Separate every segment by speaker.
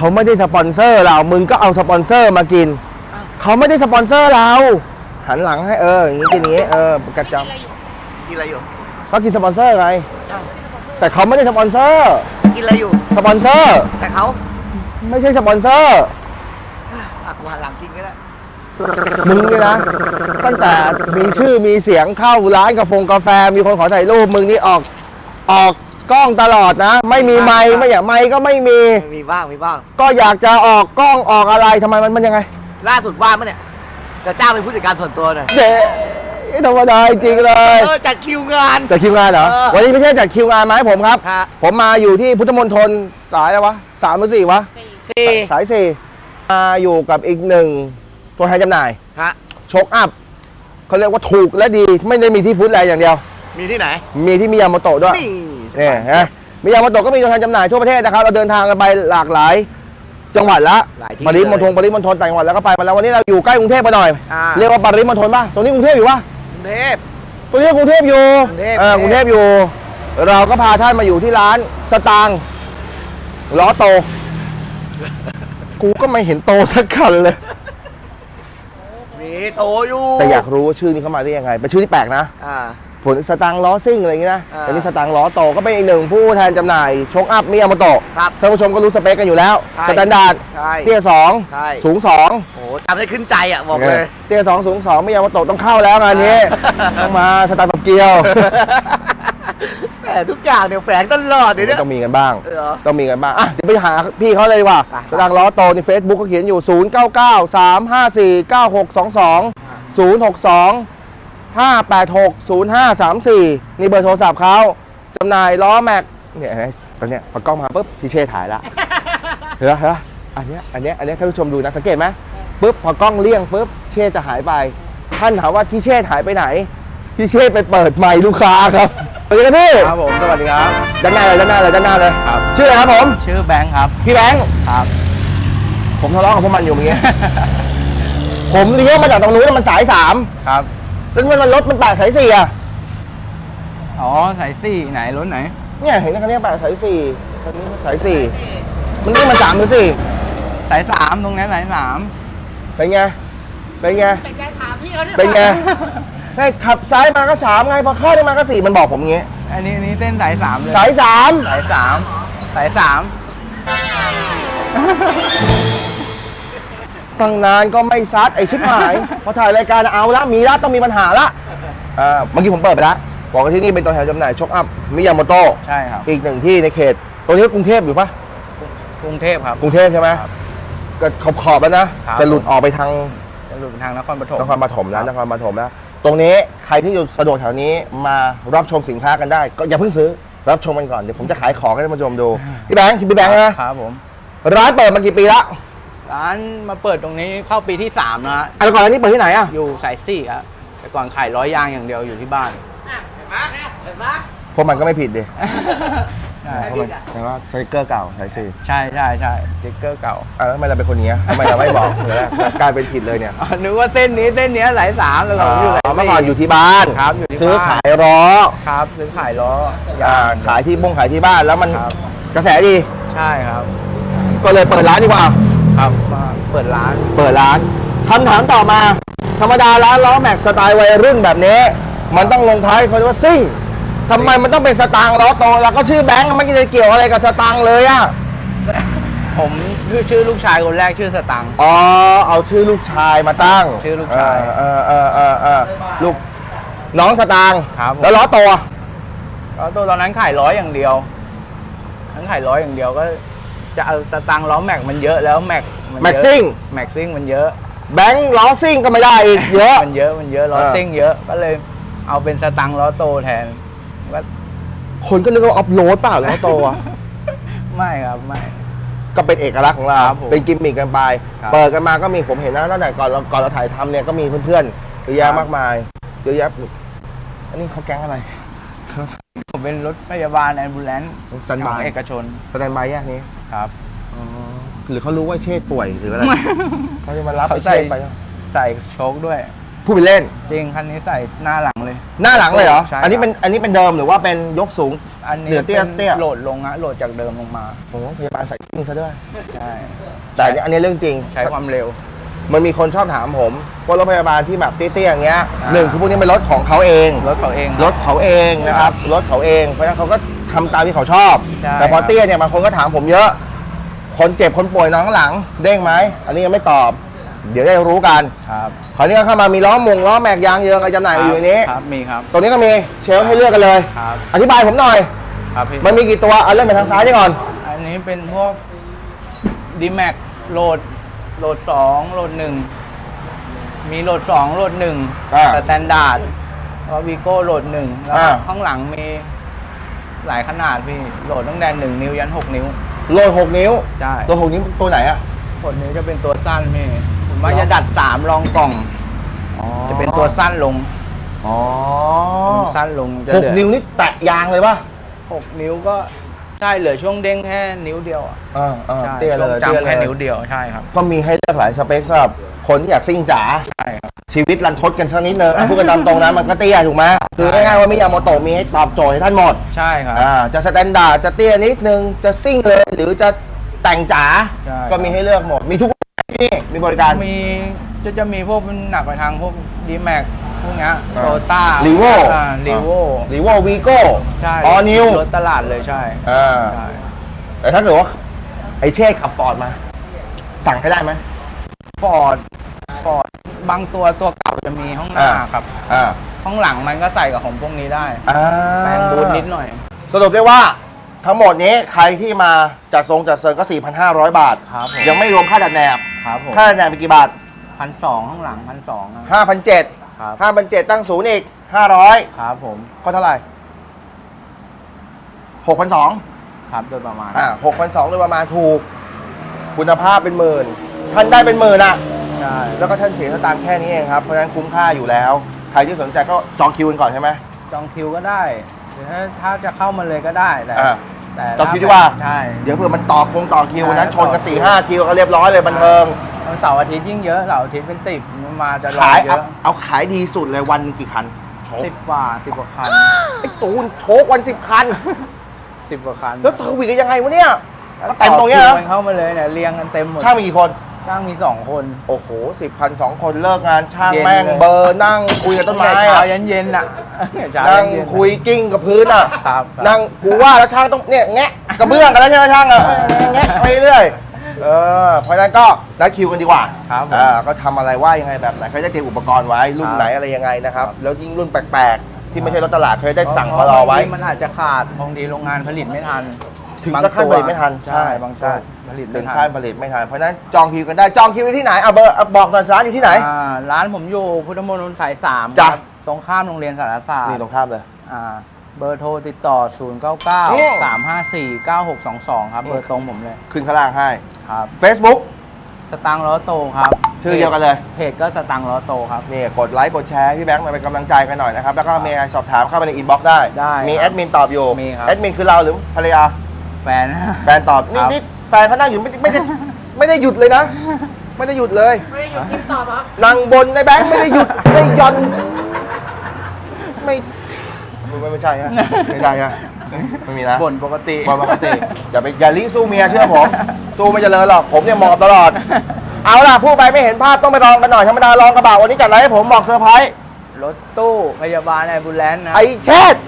Speaker 1: เขาไม่ได้สปอนเซอร์เรามึงก็เอาสปอนเซอร์มากินเขาไม่ได้สปอนเซอร์เราหันหลังให้อย่างนี้กินอย่างนี้กระจำ
Speaker 2: กินอะไรอยู่
Speaker 1: ก็กินสปอนเซอร์ไงแต่เขาไม่ได้สปอนเซอร์
Speaker 2: กินอะไรอยู่
Speaker 1: สปอนเซอร์
Speaker 2: แต่เขา
Speaker 1: ไม่ใช่สปอนเซอร์
Speaker 2: กูหันหลังกินก็ได้
Speaker 1: มึงนี่นะตั้งแต่มีชื่อมีเสียงเข้าร้านกาแฟมีคนขอถ่ายรูปมึงนี่ออกกล้องตลอดนะไม่มีไมค์ไม่อยากไมค์ก็ไม่มี
Speaker 2: บ้าง
Speaker 1: ก็อยากจะออกกล้องออกอะไรทำไมมันยังไง
Speaker 2: ล่าสุดว่างมั้ยเนี่ยจะจ้างเป็นผู้จัดการส่วนตัวหน่อย
Speaker 1: เจ๊ธรรมดาจริงเลย
Speaker 2: จัดคิวงาน
Speaker 1: เหรอวันนี้ไม่ใช่จัดคิวงานมาให้ผมครับผมมาอยู่ที่พุทธมณฑลสายอะไรวะ3 หรือ 4วะสาย4มาอยู่กับอีกหนึ่งตัวแทนจำหน่ายโชคอัพเขาเรียกว่าถูกและดีไม่ได้มีที่ฟู้ดแลนด์อย่างเดียว
Speaker 2: มีที่ไหน
Speaker 1: มีที่มิยาโมโตะด้วยนี่ฮะมิยาโมโตะก็มีตัวแทนจำหน่ายทั่วประเทศนะครับเราเดินทางกันไปหลากหลายจังหวัดละปริมณฑลต่างจังหวัดแล้วก็ไปมาแล้ววันนี้เราอยู่ใกล้กรุงเทพไปหน่อยเรียกว่าปริมณฑลป่ะตรงนี้กรุงเทพอยู่ป่ะ
Speaker 2: กรุงเทพ
Speaker 1: ตรงนี้กรุงเทพอยู่กรุงเทพอยู่เราก็พาท่านมาอยู่ที่ร้านสตางค์ล้อโตกูก็ไม่เห็นโตสักคันเลย
Speaker 2: มีโตอยู่
Speaker 1: แต่อยากรู้ว่าชื่อนี้เข้ามาได้ยังไงเป็นชื่อที่แปลกนะผลสตางค์ล้อซิ่งอะไรอย่างนี้นะแต่นี่สตางค์ล้อโตก็เป็นอีกหนึ่งผู้แทนจำหน่ายโชคอัพมิยาโมโตะท่านผู้ชมก็รู้สเปคกันอยู่แล้วสแตนดาร์ดเตี้ย2สูง2
Speaker 2: โอ้จำได้ขึ้นใจอ่ะบอกเลย
Speaker 1: เตี้ย2สูง2มิยาโมโตะต้องเข้าแล้วงานนี้ต้องมาสตางค์กับเกียว
Speaker 2: แต่ทุกอย่างเนี่ยแฝงตลอดเนี่ย
Speaker 1: ต้องมีกันบ้างต้องมีกันบ้างอ่ะเดี๋ยวไปหาพี่เขาเลยว่ะสตางค์ล้อโตใน Facebook เขาเขียนอยู่0993549622 062-586-0534นี่เบอร์โทรศัพท์เขาจำหน่ายล้อแม็กเนี่ยตอนเนี้ยพอกล้องมาปุ๊บทีเช่ถ่ายละเห็นไหมอันเนี้ยท่านผู้ชมดูนะสังเกตไหมปุ๊บพอกล้องเลี่ยงปุ๊บเช่จะหายไปท่านถามว่าทีเช่หายไปไหนทีเช่ไปเปิดไมค์ลูกค้าครับสวัสดีครับพี่
Speaker 3: ครับผมสวัสดีครับ
Speaker 1: ด้านหน้าเลย
Speaker 3: ครับ
Speaker 1: ชื่ออะไรครับผม
Speaker 3: ชื่อแบงค์ครับ
Speaker 1: พี่แบงค์
Speaker 3: ครับ
Speaker 1: ผมทะเลาะกับพวกมันอยู่เมื่อกี้ ผมเลี้ยวมาจากตรงนู้นมันสาย3
Speaker 3: ครับ
Speaker 1: แล้วมันรถมันแปะสาย4อ่ะ
Speaker 3: อ๋อสาย4ไหนรถไหน
Speaker 1: เนี่ยเห็นคันนี้แปะสาย4คันนี้สาย4มันนี่มัน3หรือ4
Speaker 3: สาย3ตรงนี้สาย3
Speaker 1: เป็นไง
Speaker 2: เป็นไงถามพี่เขาเนี่ย
Speaker 1: เป็นไงให้ขับซ้ายมาก็3ไงพอเข้าได้มาก็4มันบอกผมงี้
Speaker 3: อันนี้เส้นสาย3เลย
Speaker 1: สาย3ตั้งนานก็ไม่ซัดไอชิบหายพอถ่ายรายการเอาละมีละต้องมีปัญหาละเมื่อกี้ผมเปิดไปแล้วบอกว่าที่นี่เป็นตัวแทนจำหน่ายโชคอัพมิยาโมโตะ
Speaker 3: ใช่ครับ
Speaker 1: อีกหนึ่งที่ในเขตตรงนี้กรุงเทพอยู่ปะ
Speaker 3: กรุงเทพครับ
Speaker 1: กรุงเทพใช่ไหมก็ขอบแล้วนะจะหลุดออกไปทาง
Speaker 3: นครปฐม
Speaker 1: แล้วตรงนี้ใครที่อยู่สะดวกแถวนี้มารับชมสินค้ากันได้ก็อย่าเพิ่งซื้อรับชมกันก่อนเดี๋ยวผมจะขายของให้ท่านผู้ชมดูพี่แบงค์
Speaker 3: นะครับผม
Speaker 1: ร้านเปิดมากี่ปีละ
Speaker 3: ร้านมาเปิดตรงนี้เข้าปีที่3นะ
Speaker 1: แต่ก่อนอันนี้เปิดที่ไหนอ่ะ
Speaker 3: อยู่สาย4ครับแต่ก่อนขายล้อยางอย่างเดียวอยู่ที่บ้าน
Speaker 2: เห็นไหม
Speaker 1: พวกมันก็ไม่ผิดดิเพราะมันแต่ว่าสติ๊กเกอร์เก่าสาย4
Speaker 3: ใช่สติ๊กเกอร์เก่า
Speaker 1: ทำไมเราเป็นคนนี้ทำไมเราไม่บอกเลยกลายเป็นผิดเลยเนี่ย
Speaker 3: นึกว่าเส้นนี้สาย3แล้วเราอยู่
Speaker 1: เมื่อก่อนอยู่ที่บ้าน
Speaker 3: ครับ
Speaker 1: ซื้อขายล้อ
Speaker 3: ครับซื้อขายล้อ
Speaker 1: ขายที่ที่บ้านแล้วมันกระแสดี
Speaker 3: ใช่ครับ
Speaker 1: ก็เลยเปิดร้านดีกว่า
Speaker 3: ครับมาเปิดร้
Speaker 1: านคำถามต่อมาธรรมดาร้านล้อแม็กสไตล์วัยรุ่นแบบนี้มันต้องลงท้ายเขาเรียกว่าซิ่งทำไมมันต้องเป็นสตางค์ล้อโตแล้วก็ชื่อแบงค์ไม่ได้เกี่ยวอะไรกับสตางค์เลยอ่ะ
Speaker 3: ผมชื่อลูกชายคนแรกชื่อสตางค์
Speaker 1: เอาชื่อลูกชายมาตั้ง
Speaker 3: ชื่อลูกชาย
Speaker 1: ลูกน้องสตางค์แล้วล้อโต
Speaker 3: ตอนนั้นขายล้ออย่างเดียวก็จะเอาสตางค์ล้อแม็กมันเยอะแล้วแม็ก
Speaker 1: ซิ่ง
Speaker 3: มันเยอะ
Speaker 1: แบงค์ล้อซิ่งก็ไม่ได้อีกเยอะ
Speaker 3: มันเยอะล้อซิ่งเยอะก็เลยเอาเป็นสตางค์ล้อโตแทนก็
Speaker 1: คนก็นึกว่าออฟโรดเปล่าล้อโตอ่ะ
Speaker 3: ไม่ครับไม่
Speaker 1: ก็เป็นเอกลักษณ์ของเราเป็นกิมมิคกันไปเปิดกันมาก็มีผมเห็นนะตั้งแต่ก่อนเราถ่ายทำเนี่ยก็มีเพื่อนๆเยอะแยะมากมายเยอะแยะอันนี้เขาแก๊งอะไร
Speaker 3: ผมเป็นรถพยาบาลแอมบูเลนซ์ของเอกชน
Speaker 1: สแตนบายแยกนี้
Speaker 3: ครับ
Speaker 1: หรือเขารู้ว่าเชษป่วยหรืออะไรเขาจะมารับไป
Speaker 3: ใส่โชคด้วย
Speaker 1: พูดไปเล่น
Speaker 3: จริงคันนี้ใส่หน้าหลังเลย
Speaker 1: หน้าหลังเลยเหรอ
Speaker 3: ใช่
Speaker 1: อันนี้เป็นเดิมหรือว่าเป็นยกสูง
Speaker 3: อันนี้
Speaker 1: เหนือเตี้ย
Speaker 3: เป็น
Speaker 1: เตี้ย
Speaker 3: โหลดลงอะโหลดจากเดิมลงมา
Speaker 1: โอ้โหพยาบาลใส่ซิ่งซะด้วย
Speaker 3: ใช่
Speaker 1: แต่อันนี้เรื่องจริง
Speaker 3: ใช้ความเร็ว
Speaker 1: มันมีคนชอบถามผมว่ารถพยาบาลที่แบบเตี้ยๆอย่างเงี้ย
Speaker 3: อ่า
Speaker 1: หนึ่งคือพวกนี้เป็นรถของเขาเอง
Speaker 3: รถเขาเอง
Speaker 1: รถเขาเองนะครับรถเขาเองเพราะฉะนั้นเขาก็ทำตามที่เขาชอบ
Speaker 3: ใช่
Speaker 1: แต่พอ
Speaker 3: ครับ
Speaker 1: เตี้ยเนี่ยบางคนก็ถามผมเยอะ คนเจ็บคนป่วยนอนข้างหลัง เด้งไหมอันนี้ยังไม่ตอบ เดี๋ยวได้รู้กัน
Speaker 3: ครับ
Speaker 1: คราวนี้ก็เข้ามามีล้อล้อแม็กยางเยิงอะไรจำหน่ายอยู่ในนี้
Speaker 3: ครับมีครับ
Speaker 1: ตรงนี้ก็มีเชลฟ์ให้เลือกกันเลย
Speaker 3: ครับ
Speaker 1: อธิบายผมหน่อย
Speaker 3: ครับพี่
Speaker 1: มันมีกี่ตัวเอาเริ่มไปทางซ้ายนี่ก่อน
Speaker 3: อันนี้เป็นพวกดีแม็กโหลดสองโหลดหนึ่งมีโหลดสองโหลดหนึ่ง
Speaker 1: อ่า
Speaker 3: สแตนดาร์ดแล้ววีโก้โหลดหนึ่งแล้วก็
Speaker 1: อ่า
Speaker 3: ข้างหลังมีหลายขนาดพี่โหลดตั้งแต่1 นิ้วยัน6 นิ้ว
Speaker 1: โหลด6 นิ้ว
Speaker 3: ใช่
Speaker 1: โหลด6 นิ้วตัวไหนอะ
Speaker 3: 6 นิ้วจะเป็นตัวสั้นพี่ผมว่า
Speaker 1: เหรอ
Speaker 3: จะดัด3รองกล่อง จะเป็นตัวสั้นลง
Speaker 1: อ๋อ
Speaker 3: สั้นลงจะ
Speaker 1: ห
Speaker 3: เห
Speaker 1: ก
Speaker 3: ลือ
Speaker 1: นิ้วนี่แตะยางเลยป่ะ
Speaker 3: 6 นิ้วก็ใช่เหลือช่วงเด้งแค่นิ้วเดียวอะ ใช่
Speaker 1: เตี้ยเล
Speaker 3: ช่วง
Speaker 1: ยเตี้ย
Speaker 3: จำ
Speaker 1: เล
Speaker 3: แค่
Speaker 1: ย
Speaker 3: นิ้วเดียวใช่ครับ
Speaker 1: ก็มีให้เลือกหลายสเปคสำหรับคนที่อยากซิ่งจ๋า
Speaker 3: ใช่ครับ
Speaker 1: ชีวิตรันทดกันสักนิดนึงพูดกันตามตรงนะมันก็เตี้ยถูกไหมคือง่ายๆว่ามิยาโมโตะมีให้ตอบโจทย์ให้ท่านหมด
Speaker 3: ใช่ครับ
Speaker 1: จะสแตนดาร์ดจะเตี้ยนิดนึงจะซิ่งเลยหรือจะแต่งจ๋า
Speaker 3: ใช่
Speaker 1: ก็มีให้เลือกหมดมีทุกที่นี่มีบริการ
Speaker 3: มีจะมีพวกมันหนักไปทางพวกดีแม็กพวกเนี้ย
Speaker 1: อ่า
Speaker 3: โตต้า
Speaker 1: Revo
Speaker 3: รีโว
Speaker 1: รีโววีโก้
Speaker 3: ใช่
Speaker 1: ออนิว
Speaker 3: รถตลาดเลยใช่ใช่
Speaker 1: แต่ถ้าเกิดว่าไอเช่ขับฟอร์ดมา สั่งให้ได้ไหม
Speaker 3: ฟอร์ดบางตัวเก่าจะมีห้องหน้าครับ
Speaker 1: อ่า
Speaker 3: ห้องหลังมันก็ใส่กับของพวกนี้ได้
Speaker 1: อ่า
Speaker 3: แปลงบูทนิดหน่อย
Speaker 1: สรุปได้ว่าทั้งหมดนี้ใครที่มาจัดทรงจัดเซิร์นก็ 4,500 บาท
Speaker 3: ครับผม
Speaker 1: ยังไม่รวมค่าดัดแนบ
Speaker 3: ครับผม
Speaker 1: ค่าดัดแนบเป็นกี่บาท
Speaker 3: 1,200ข้างหลัง1,200นะ
Speaker 1: 5,700
Speaker 3: ครับ
Speaker 1: 5,700 ตั้งศูนย์อีก 500
Speaker 3: ครับผม
Speaker 1: ก็เท่าไหร่ 6,200
Speaker 3: ครับโดยประมาณ
Speaker 1: 6,200โดยประมาณถูก คุณภาพเป็นหมื่น ท่านได้เป็นหมื่นอ่ะ
Speaker 3: ใช่
Speaker 1: แล้วก็ท่านเสียสตางค์แค่นี้เองครับ เพราะฉะนั้นคุ้มค่าอยู่แล้ว ใครที่สนใจก็จองคิวกันก่อนใช่ไหม
Speaker 3: จองคิวก็ได้หรือถ้าจะเข้ามาเลยก็ได้แต่
Speaker 1: อ่า
Speaker 3: แต่
Speaker 1: จองคิวดีกว่า
Speaker 3: ใช่
Speaker 1: เดี๋ยวเผื่อมันต่อคิววันนั้นชนกัน
Speaker 3: ใช่
Speaker 1: 4-5 คิวก็เรียบร้อยเลยบันเทิง
Speaker 3: วันเสาร์อาทิตย์ยิ่งเยอะเสาร์อาทิตย์เป็น10มันมาจะรอ
Speaker 1: ขาย
Speaker 3: เย
Speaker 1: เอา
Speaker 3: อะ
Speaker 1: ขายดีสุดเลยวันหนึ่งกี่คันโชค
Speaker 3: 10 กว่าคัน
Speaker 1: ไอ้ตูนโชควัน 10 คัน
Speaker 3: 10 กว่าคัน
Speaker 1: แล้วเซอร์วิสกันยังไงวะเนี่ย
Speaker 3: แล้ว
Speaker 1: ก็เต็มตรงเนี้ย
Speaker 3: คิ
Speaker 1: นะ
Speaker 3: วกันเข้ามาเลยเนี่ยเรียงกันเต็มหมด
Speaker 1: ช่างมีกี่คน
Speaker 3: ช่างมี2 คน
Speaker 1: โอ้โห 10 คัน 2 คนเลิกงานช่าง
Speaker 3: เย็น
Speaker 1: แม่ง
Speaker 3: เลย
Speaker 1: เบอร์นั่งคุยกับต้นไม้
Speaker 3: ตั้งแต่เช้า
Speaker 1: อะ
Speaker 3: ยันเย็นอ่ะเช้า
Speaker 1: นั่
Speaker 3: ยั
Speaker 1: ง
Speaker 3: นเย็น
Speaker 1: คุยกิ้งกับพื้นอ่ะ
Speaker 3: ครับ
Speaker 1: นั่งกูว่าแล้วช่างต้องเนี่ยแงะกระเบื้องกันแล้วใช่ไหมช่างอ่ะแงะไปเรื่อยเพราะฉะนั้นก็นัดคิวกันดีกว่า
Speaker 3: ครับผม
Speaker 1: ก็ทำอะไรว่ายังไงแบบไหนเขาจะเตรียมอุปกรณ์ไว้รุ่น
Speaker 3: ครับ
Speaker 1: ไหนอะไรยังไงนะครับแล้วยิ่งรุ่นแปลกๆ ที่ไม่ใช่รถตลาดเขาจะได้สั่งมารอไว้
Speaker 3: บางทีมันอาจจะขาดบางทีโรงงานผลิตไม่ทัน
Speaker 1: ถึงจะขั้นผลิตไม่ทัน
Speaker 3: ใช่บางตัว
Speaker 1: ใช่
Speaker 3: ผลิต
Speaker 1: ถึ
Speaker 3: ไม่
Speaker 1: ง
Speaker 3: ทั
Speaker 1: ขั้
Speaker 3: น
Speaker 1: นผลิตไม่ทันเพราะฉะนั้นจองคิวกันได้จองคิวได้ที่ไหนเอาเบอร์บอกหน่อยร้านอยู่ที่ไหน
Speaker 3: ร้านผมอยู่พุทธมณฑลสาย3
Speaker 1: จ้ะ
Speaker 3: ครับตรงข้ามโรงเรียนสารศาสต
Speaker 1: นี่
Speaker 3: ร์
Speaker 1: ตรงข้ามเลย
Speaker 3: เบอร์โทรติดต่อ 099 354 9622 ครับ เบอร์ตรงผมเลย
Speaker 1: ขึ้นข้างล่างให้
Speaker 3: ครับ
Speaker 1: Facebook
Speaker 3: สตังค์ล้อโตครับ
Speaker 1: ชื่อเดียวกันเลย
Speaker 3: เพจก็สตังค์ล้อโตครับ
Speaker 1: นี่กดไลค์กดแชร์พี่แบงค์มาเป็นกำลังใจกันหน่อยนะครับ แล้วก็มีอะไรสอบถามเข้าไปในอินบ็อกซ์ได้
Speaker 3: ได้
Speaker 1: มี
Speaker 3: ครับ
Speaker 1: แอดมินตอบอยู่
Speaker 3: มีครับ
Speaker 1: แอดมินคือเราหรือภรรยา
Speaker 3: แฟน
Speaker 1: แฟนตอบ
Speaker 3: ครับ
Speaker 1: นี่แฟนเขานั่งอยู่ไม่ได้หยุดเลยนะ ไม่ได้หยุดเลย
Speaker 2: ไม่ได้หยุดคลิปตอบครับ
Speaker 1: นั่งบนในแบงค์ไม่ได้หยุดไม่ได้หย่อนไม่ใช่ฮะไม่ใช่ฮะไม่มีนะ
Speaker 3: บ่นปกติ
Speaker 1: บอลปกติอย่าลิสู้เมียเชื่อผม สู้ไม่เจริญหรอกผมเนี่ยหมอบตลอด เอาล่ะพูดไปไม่เห็นภาพต้องไปลองกันหน่อยธรรมดาลองกระบะวันนี้จัดอะไรให้ผมบอกเซอร์ไพรส์
Speaker 3: รถตู้พยาบาลไอบูลแลนซ์นะ
Speaker 1: ไอเช็ด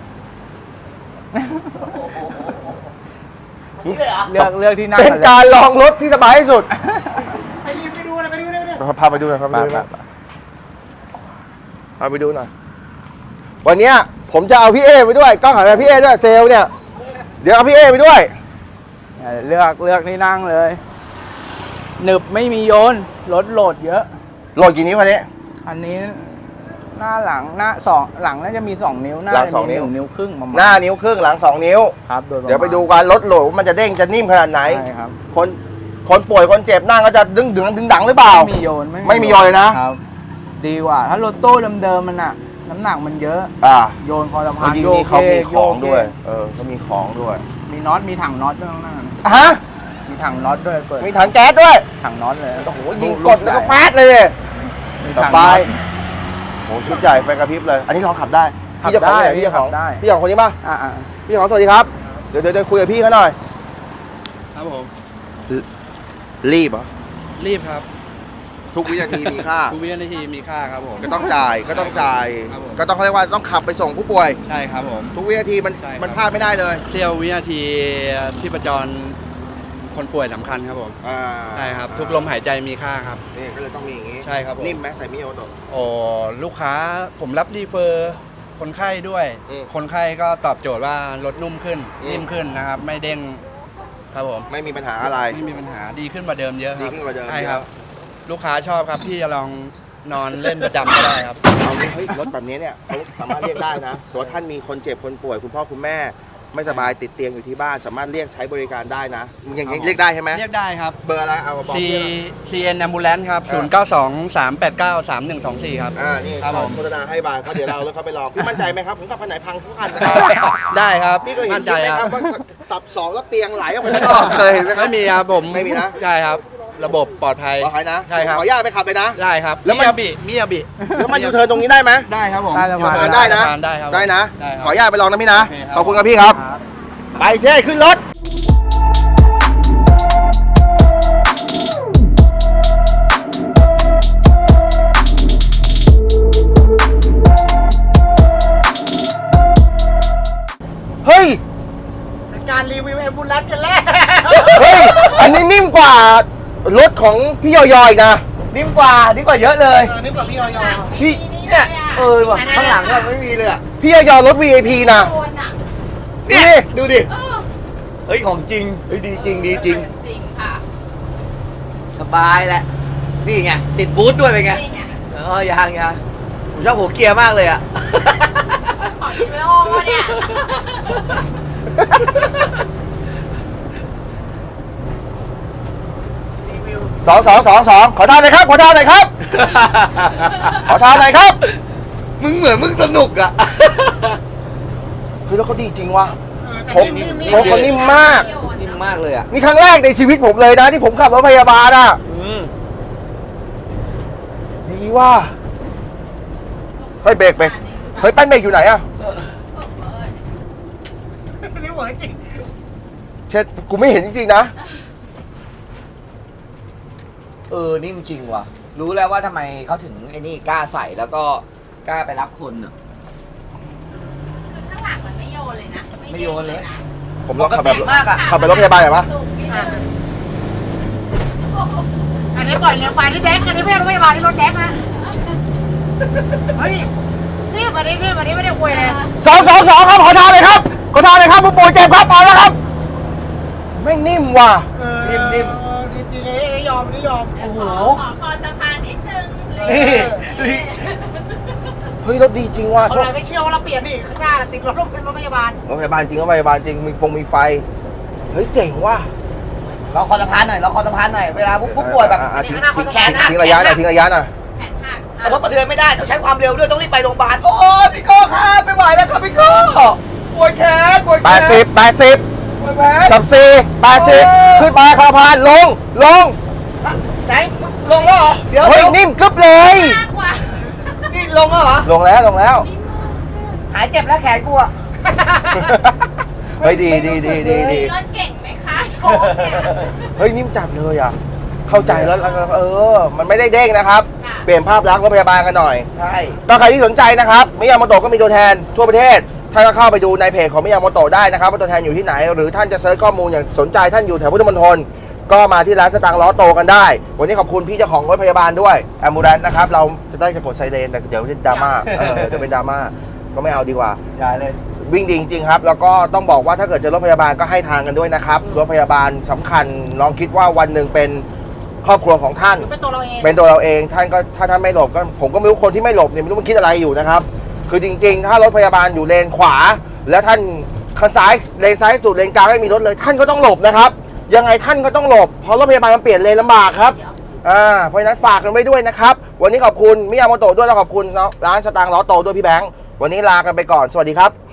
Speaker 3: เลือกที่นั่ง
Speaker 1: เป็น
Speaker 3: กันเลย
Speaker 1: การลองรถที่สบายที่สุด
Speaker 2: ไปดูเลยไปดูเลย
Speaker 1: พาไปดูหน่อยพาไปดูหน่อย
Speaker 3: ไป
Speaker 1: พาไปดูหน่อยวันเนี้ยผมจะเอาพี่เอไปด้วยกล้องหันไปพี่เอด้วยเซลล์เนี่ยเดี๋ยวเอาพี่เอไปด้วย
Speaker 3: เลือกที่นั่งเลยหนึบไม่มีโยนรถโหลดเยอะ
Speaker 1: โหลดกี่นิ้วคันนี้
Speaker 3: อันนี้หน้าหลังหน้าสองหลังน่าจะมี2 นิ้วหน้า
Speaker 1: หลัง
Speaker 3: จะ
Speaker 1: สอง
Speaker 3: มี
Speaker 1: นิ้ว
Speaker 3: 1 นิ้วครึ่งประมาณ
Speaker 1: หน้านิ้วครึ่งหลัง2 นิ้ว
Speaker 3: ครับโดยประมาณ
Speaker 1: เดี๋ยวไปดูกันรถโหลดว่ามันจะเด้งจะนิ่มขนาดไหน
Speaker 3: ใช่ครับ
Speaker 1: คนป่วยคนเจ็บนั่งก็จะดึงดังหรือเปล่า
Speaker 3: ไม่มีโยน
Speaker 1: ไม่มีโยนเลยนะ
Speaker 3: ครับ ดีกว่า ถ้ารถตู้เดิมๆมันอะน้ำหนักมันเยอะ โยนคอสะพาน
Speaker 1: จริง
Speaker 3: โย
Speaker 1: ๆนี่
Speaker 3: ก
Speaker 1: เขามี
Speaker 3: โย
Speaker 1: ของ
Speaker 3: ก
Speaker 1: ด้วยเขามีของด้วย
Speaker 3: มีน็อตมีถังน็อตด้วยข้างหน้า
Speaker 1: ฮะ
Speaker 3: มีถังน็อตด้วยเปิด
Speaker 1: มีถังแก๊สด้วย
Speaker 3: ถังน็อตเลย
Speaker 1: โอ้โหยิงกดแล้วก็ฟาดเลย
Speaker 3: มี
Speaker 1: ส
Speaker 3: ถัง
Speaker 1: บา
Speaker 3: น็อย ต
Speaker 1: โหชุดใหญ่ไฟกระพริบเลย อันนี้ลองขับได้
Speaker 3: ขับ
Speaker 1: พี่เจ้าของ
Speaker 3: ได้
Speaker 1: เนี่ยพี่เจ้าของ
Speaker 3: ขับได้
Speaker 1: พี่เจ้าของคนนี้ป่ะ
Speaker 3: อ่า
Speaker 1: พี่เจ้าของสวัสดีครับ เดี๋ยวคุยกับพี่เขาหน่อย
Speaker 4: ครับผม
Speaker 1: รีบเหรอ
Speaker 4: รีบครับ
Speaker 1: ทุกวินาทีมีค่า
Speaker 4: ทุกวินาทีมีค่าครับผม
Speaker 1: ก็ต้องจ่าย ก็ต้องจ่าย
Speaker 4: ครับผม
Speaker 1: ก็ต้องเขาเรียกว่าต้องขับไปส่งผู้ป่วย
Speaker 4: ใช่ครับผม
Speaker 1: ทุกวินาทีมัน
Speaker 4: ใช่ครับ
Speaker 1: มันพลาดไม่ได้เลย
Speaker 4: เสี้ยววินาทีชีพจรคนป่วยสำคัญครับผม
Speaker 1: อ่า
Speaker 4: ใช่ครับ ทุกลมหายใจมีค่าครับ
Speaker 1: นี่ก็เลยต้องมีอย่างนี้
Speaker 4: ใช่ครับผม
Speaker 1: นิ่มไหมใส่มิโอโตะ
Speaker 4: โอ้ลูกค้าผมรับรีเฟอร์คนไข้ด้วย
Speaker 1: อืม
Speaker 4: คนไข้ก็ตอบโจทย์ว่ารถนุ่มขึ้น นิ่มขึ้นนะครับ ไม่เด้งครับผม
Speaker 1: ไม่มีปัญหาอะไร
Speaker 4: ไม่มีปัญหาดีขึ้นกว่าเดิมเยอะครับ
Speaker 1: ดีขึ้นกว่าเดิม
Speaker 4: ใช่ครับ
Speaker 1: เยอะ
Speaker 4: ลูกค้าชอบครับพี่จะลองนอนเล่นประจำก็ได้ครับ
Speaker 1: เอางี้เฮ้ยรถแบบนี้เนี่ยเขาสามารถเรียกได้นะสมมติว่าท่านมีคนเจ็บคนป่วยคุณพ่อคุณแม่ ไม่สบายติดเตียงอยู่ที่บ้าน สามารถเรียกใช้บริการได้นะอย่างนี้เรียกได้ใช่ไหม
Speaker 4: เรียกได้ครับ
Speaker 1: เบอร์อะไรเอามาบอก
Speaker 4: C
Speaker 1: เพื่อน
Speaker 4: CN Ambulance ครับ 0923893124 ครับ
Speaker 1: นี่
Speaker 4: ครับผม
Speaker 1: โฆษณาให้บายเพราะเดี๋ยวเราเอารถเขาไปลองพี่มั่นใจไหมครับผมขับคันไหนพังทุกคันนะ
Speaker 4: ได้ครับ
Speaker 1: พี่เคยเห็
Speaker 4: มั่
Speaker 1: น
Speaker 4: น
Speaker 1: ใช่
Speaker 4: ใจ
Speaker 1: ไหม
Speaker 4: ค
Speaker 1: ค
Speaker 4: รั
Speaker 1: รั
Speaker 4: บบ
Speaker 1: ว่าสับสองแล้วเตียงไหลออกไปข้างนอกเคยเห็นไหมครับ
Speaker 4: ไม่มีครับผม
Speaker 1: ไม่มีนะ
Speaker 4: ใช่ครับ ระบบปลอดภัย
Speaker 1: ปลอดภัยนะ
Speaker 4: ใช่ครับ
Speaker 1: ขออนุญาตไปขับเลยนะ
Speaker 4: ได้ครับ
Speaker 1: แล้วมัน
Speaker 4: มิยาบิ
Speaker 1: แล้วมันยูเทิร์นตรงนี้ได้ไหม
Speaker 4: ได้ครับผม
Speaker 3: ใต้สะพาน
Speaker 1: ยูเทิร์นได้นะ
Speaker 4: ได้ครับ
Speaker 1: ได้นะ
Speaker 4: ได้ครับ
Speaker 1: ขออนุญาตไปลองนะพี่นะ
Speaker 4: โอเคครับ
Speaker 1: ขอบคุณครับพี่ครับ ไปเช่ขึ้นรถ เฮ้ย
Speaker 2: การรีวิวแอมบูเลนซ์กันแล้ว
Speaker 1: เฮ้ย อันนี้นิ่มกว่ารถของพี่ยอยอีกนะ
Speaker 2: นิ่มกว่าเยอะเลย
Speaker 5: นี่กว่าพี่ออย
Speaker 1: พี่
Speaker 2: เนี่ยว่ะข้างหลังเนี่ยไม่มีเลยอ่ะ
Speaker 1: พี่ยอยรถ VIP นะ
Speaker 5: โดนอ่ะ
Speaker 1: นี่ดูดิ
Speaker 5: เออ
Speaker 2: เฮ้ยของจริง
Speaker 1: เฮ้ยดีจริงดีจริง
Speaker 5: จริงค่ะ
Speaker 2: สบายแหละนี่ไงติดบูทด้วยเป็นไง
Speaker 5: นี่ไง
Speaker 2: ยังผมชอบหัวเกียร์มากเลยอ่ะ
Speaker 5: ของที่ไม่โอ้เนี่ย
Speaker 1: สองขอทานหน่อยครับ ขอทานหน่อยครับ ขอทานหน่อยครับ
Speaker 2: มึงเหมือนมึงสนุกอ่ะ
Speaker 1: เฮ้ยแล้วเขาดีจริงว่ะชก
Speaker 5: นิ่มๆ
Speaker 1: ชกเขานิ่มมาก
Speaker 2: นิ่มมากเลยอ่ะ
Speaker 1: นี่ครั้งแรกในชีวิตผมเลยนะที่ผมขับรถพยาบาลอ่ะดีว่ะเฮ้ยเบรกเฮ้ยแป้นเบรกอยู่ไหนอ่ะ
Speaker 5: นี่เหมือนจริง
Speaker 1: เช็ดกูไม่เห็นจริงๆนะ
Speaker 2: นิ่มจริงว่ะรู้แล้วว่าทำไมเขาถึงไอ้นี่กล้าใส่แล้วก็กล้าไปรับคนอ่ะ
Speaker 5: คือข้างหลังมันไม่โยนเลยนะ
Speaker 2: ไม่โยนเลย
Speaker 5: นะ
Speaker 1: ผมลองขับแบบ
Speaker 2: ปกติมากอะ
Speaker 1: ขับไปรถพยาบาลเหรอวะ
Speaker 5: อันนี้ปล่อยเลี้ยงไปที่แดกอันนี้ไม่ไม่มาที่รถแดกนะเฮ้ยนี่มาดิไม่ได้อวยเลย
Speaker 1: สองครับขอทานหน่อยครับ ขอทานหน่อยครับผู้ป่วยเจ็บครับเอาแล้วครับไม่งนิ่มว่ะ
Speaker 2: นิ่ม
Speaker 5: จริงๆอันนี้ยอมโอ้โห
Speaker 6: ขอคอสะพานนิดนึง
Speaker 2: นี่
Speaker 1: เฮ้ยรถดีจริงว่ะ
Speaker 5: เอาอะไรไม่เชื่อว่าเราเปลี่ยนนี่ข้างหน้าติดรถเป็นรถพยาบาล
Speaker 1: รถพยาบาลจริงรถพยาบาลจริงมีไฟเฮ้ยเจ๋งว่ะ
Speaker 2: ลองคอสะพานหน่อยเวลาผู้ป่วยแบบ
Speaker 1: ทิ้ง
Speaker 2: แขนหัก
Speaker 1: ทิ้งระยะหน่อยทิ้งระยะหน่อย
Speaker 5: แขนหัก
Speaker 2: กระทบกระเทือนไม่ได้ต้องใช้ความเร็วด้วยต้องรีบไปโรงพยาบาลโอ้ยพี่โก้ครับไม่ไหวแล้วครับพี่โก้ป่วยแขนป่วยแขน
Speaker 1: 80
Speaker 2: ป่วยแขน
Speaker 1: สับสี่80ขึ้นไปคาพานลง
Speaker 2: ไหนลงแล้วเหรอเดี๋ยว
Speaker 1: เฮ้ยนิ่มกึ๊บเลย
Speaker 5: มากกว่า
Speaker 2: นี่ลงแล้วเหรอ
Speaker 1: ลงแล้ว
Speaker 2: หายเจ็บแล้วแขนกูอะ
Speaker 1: เฮ้ยดี
Speaker 5: รถเก่งไหมคะโชว์เนี่ย
Speaker 1: เฮ้ยนิ่มจัดเลยอ่ะเข้าใจแล้วมันไม่ได้เด้งนะครับ เปลี่ยนภาพลักษณ์รถพยาบาลกันหน่อย
Speaker 2: ใช่
Speaker 1: ถ้าใครที่สนใจนะครับมิยาโมโตะก็มีตัวแทนทั่วประเทศท่านก็เข้าไปดูในเพจของมิยาโมโตะได้นะครับว่าตัวแทนอยู่ที่ไหน หรือท่านจะเซิร์ชข้อมูลอย่างสนใจท่านอยู่แถวพุทธมณฑลก็มาที่ร้านสตางค์ล้อโตกันได้ วันนี้ขอบคุณพี่เจ้าของรถพยาบาลด้วยแอมบูเลนซ์นะครับเราจะกดไซเรนแต่เดี๋ยวจะดราม่าเดี๋ยวเป็นดราม่าก็ไม่เอาดีกว่า
Speaker 2: ได้เลย
Speaker 1: วิ่งดีจริงๆครับแล้วก็ต้องบอกว่าถ้าเกิดเจอรถพยาบาลก็ให้ทางกันด้วยนะครับรถพยาบาลสำคัญลองคิดว่าวันหนึ่งเป็นครอบครัวของท่าน
Speaker 5: เป็นตัวเราเอง
Speaker 1: เป็นตัวเราเองท่านก็ถ้าท่านไม่หลบก็ผมก็ไม่รู้คนที่ไม่หลบเนี่ยไม่รู้มันคิดอะไรอยู่นะครับคือจริงๆ ถ้ารถพยาบาลอยู่เลนขวา แล้วท่านข้างซ้ายเลนซ้ายสุดเลนกลางไม่มีรถเลย ท่านก็ต้องหลบนะครับยังไงท่านก็ต้องหลบเพราะรถพยาบาลมันเปลี่ยนเลนลำบากครับเพราะฉะนั้นฝากกันไว้ด้วยนะครับวันนี้ขอบคุณมิยาโมโตะด้วยแล้วขอบคุณร้านสตางค์ล้อโตด้วยพี่แบงค์วันนี้ลากันไปก่อนสวัสดีครับ